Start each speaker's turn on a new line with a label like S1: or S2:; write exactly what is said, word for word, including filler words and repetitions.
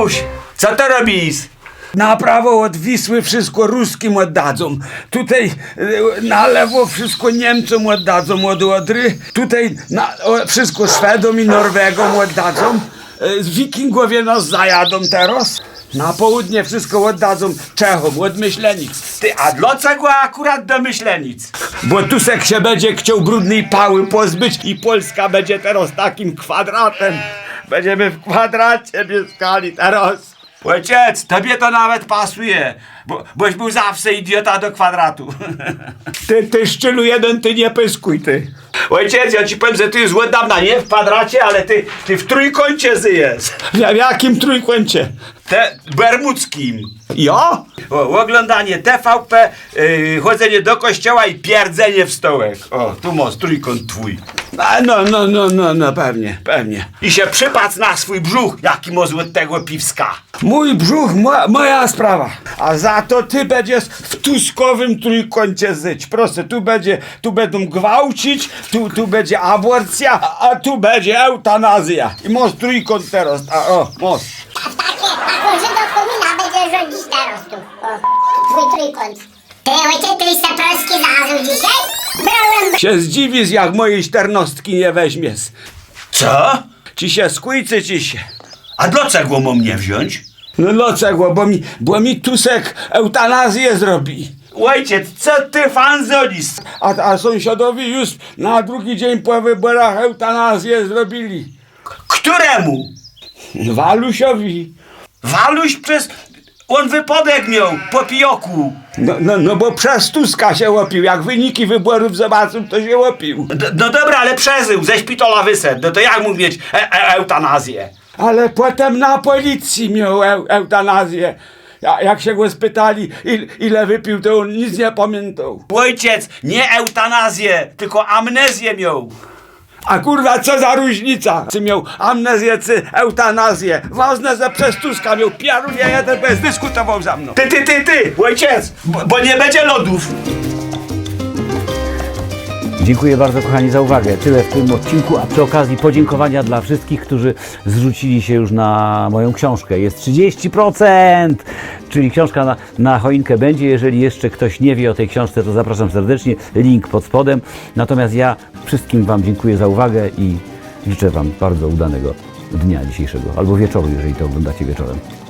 S1: Tuś, co to robisz?
S2: Na prawo od Wisły wszystko Ruskim oddadzą. Tutaj e, na lewo wszystko Niemcom oddadzą od Odry. Tutaj na, o, wszystko Szwedom i Norwegom oddadzą. E, Wikingowie nas zajadą teraz. Na południe wszystko oddadzą Czechom od Myślenic.
S1: Ty, a dlaczego akurat do Myślenic?
S2: Bo Tusek się będzie chciał brudnej pały pozbyć i Polska będzie teraz takim kwadratem. Będziemy w kwadracie mieszkali teraz.
S1: Ojciec, tobie to nawet pasuje, bo, boś był zawsze idiota do kwadratu.
S2: Ty, ty szczylu jeden, ty nie pyskuj, ty.
S1: Ojciec, ja ci powiem, że ty już od dawna nie w kwadracie, ale ty, ty w trójkącie żyjesz.
S2: W, w jakim trójkącie?
S1: Te bermudzkim.
S2: Ja?
S1: O, oglądanie T V P, yy, chodzenie do kościoła i pierdzenie w stołek. O, tu masz trójkąt twój.
S2: A, no, no, no, no, no, pewnie, pewnie.
S1: I się przypatrz na swój brzuch, jaki masz od tego piwska.
S2: Mój brzuch, mo, moja sprawa. A za to ty będziesz w tuskowym trójkącie żyć. Proszę, tu będzie, tu będą gwałcić, tu, tu będzie aborcja, a, a tu będzie eutanazja. I masz trójkąt teraz, a o, masz.
S3: Taką Żydowkomina będzie rządzić teraz tu. O, twój trójkąt. Ty, ojciec, ty se polski znalazł dzisiaj? Brałem...
S2: Się zdziwisz, jak mojej czternostki nie weźmiesz.
S1: Co?
S2: Ci się skójcy, ci się.
S1: A dlaczego mam nie wziąć?
S2: No dlaczego? Bo mi, bo mi Tusek eutanazję zrobi.
S1: Ojciec, co ty fan zolisz?
S2: A, a sąsiadowi już na drugi dzień po wyborach eutanazję zrobili.
S1: Któremu?
S2: Walusiowi.
S1: Waluś przez... On wypadek miał po pijoku.
S2: No, no, no bo przez Tuska się łopił. Jak wyniki wyborów zobaczył, to się łopił.
S1: D no dobra, ale przeżył, ze szpitala wyszedł. No to jak mógł mieć e e eutanazję?
S2: Ale potem na policji miał eu, eutanazję. Ja, jak się go spytali, il, ile wypił, to on nic nie pamiętał.
S1: Ojciec, nie eutanazję, tylko amnezję miał.
S2: A kurwa, co za różnica? Czy miał amnezję, czy eutanazję? Ważne, że przez Tuska miał piarunie jeden, bez dyskutował za mną.
S1: Ty, ty, ty, ty, ojciec, bo, bo nie będzie lodów.
S4: Dziękuję bardzo, kochani, za uwagę. Tyle w tym odcinku, a przy okazji podziękowania dla wszystkich, którzy zrzucili się już na moją książkę. Jest trzydzieści procent, czyli książka na, na choinkę będzie. Jeżeli jeszcze ktoś nie wie o tej książce, to zapraszam serdecznie, link pod spodem. Natomiast ja wszystkim Wam dziękuję za uwagę i życzę Wam bardzo udanego dnia dzisiejszego, albo wieczoru, jeżeli to oglądacie wieczorem.